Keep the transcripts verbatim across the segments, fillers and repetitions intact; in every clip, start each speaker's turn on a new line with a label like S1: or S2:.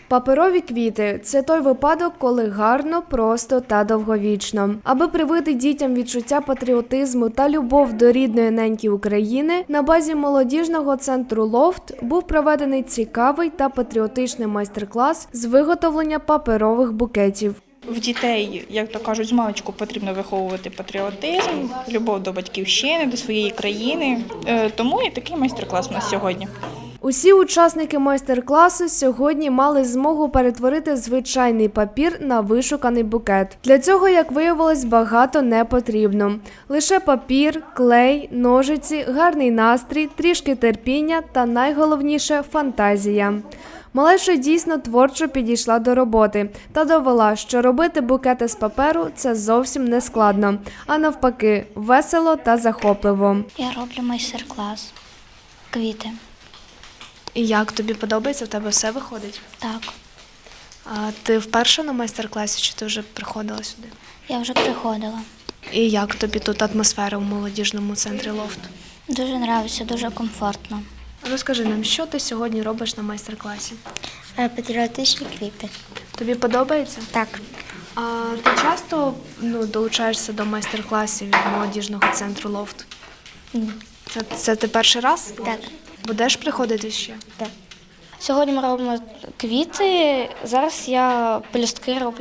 S1: Паперові квіти – це той випадок, коли гарно, просто та довговічно. Аби привити дітям відчуття патріотизму та любов до рідної неньки України, на базі молодіжного центру «Лофт» був проведений цікавий та патріотичний майстер-клас з виготовлення паперових букетів.
S2: В дітей, як то кажуть, з маличку потрібно виховувати патріотизм, любов до батьківщини, до своєї країни. Тому і такий майстер-клас у нас сьогодні.
S1: Усі учасники майстер-класу сьогодні мали змогу перетворити звичайний папір на вишуканий букет. Для цього, як виявилось, багато не потрібно. Лише папір, клей, ножиці, гарний настрій, трішки терпіння та найголовніше – фантазія. Малеша дійсно творчо підійшла до роботи та довела, що робити букети з паперу – це зовсім не складно, а навпаки – весело та захопливо.
S3: Я роблю майстер-клас квіти.
S1: І як тобі подобається? В тебе все виходить?
S3: Так.
S1: А ти вперше на майстер-класі, чи ти вже приходила сюди?
S3: Я вже приходила.
S1: І як тобі тут атмосфера у молодіжному центрі «Лофт»?
S3: Дуже подобається, дуже комфортно.
S1: Розкажи нам, що ти сьогодні робиш на майстер-класі?
S3: Патріотичні квіти.
S1: Тобі подобається?
S3: Так.
S1: А ти часто ну, долучаєшся до майстер-класів від молодіжного центру «Лофт»?
S3: Ні.
S1: Це, це ти перший раз?
S3: Так.
S1: Будеш приходити ще?
S3: Так. Сьогодні ми робимо квіти, зараз я пелюстки роблю.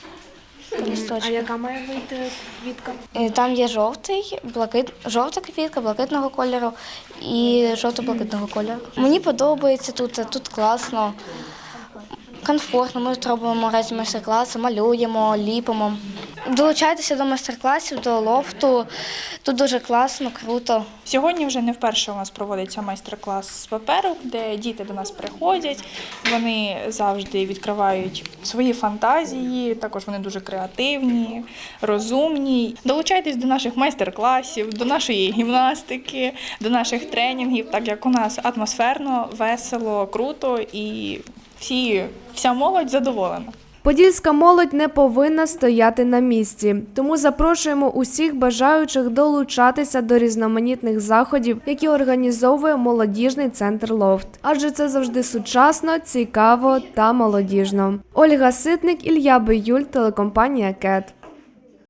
S1: А яка має вийти квітка?
S3: Там є жовтий, блакит, жовта квітка, блакитного кольору і жовто-блакитного кольору. Мені подобається тут, тут класно, комфортно. Ми тут робимо різні майстер-класи, малюємо, ліпимо. Долучайтеся до майстер-класів, до лофту. Тут дуже класно, круто.
S2: Сьогодні вже не вперше у нас проводиться майстер-клас з паперу, де діти до нас приходять. Вони завжди відкривають свої фантазії, також вони дуже креативні, розумні. Долучайтесь до наших майстер-класів, до нашої гімнастики, до наших тренінгів, так як у нас атмосферно, весело, круто і всі, вся молодь задоволена.
S1: Подільська молодь не повинна стояти на місці, тому запрошуємо усіх бажаючих долучатися до різноманітних заходів, які організовує молодіжний центр «Лофт». Адже це завжди сучасно, цікаво та молодіжно. Ольга Ситник, Ілля Биюль, телекомпанія «Кет».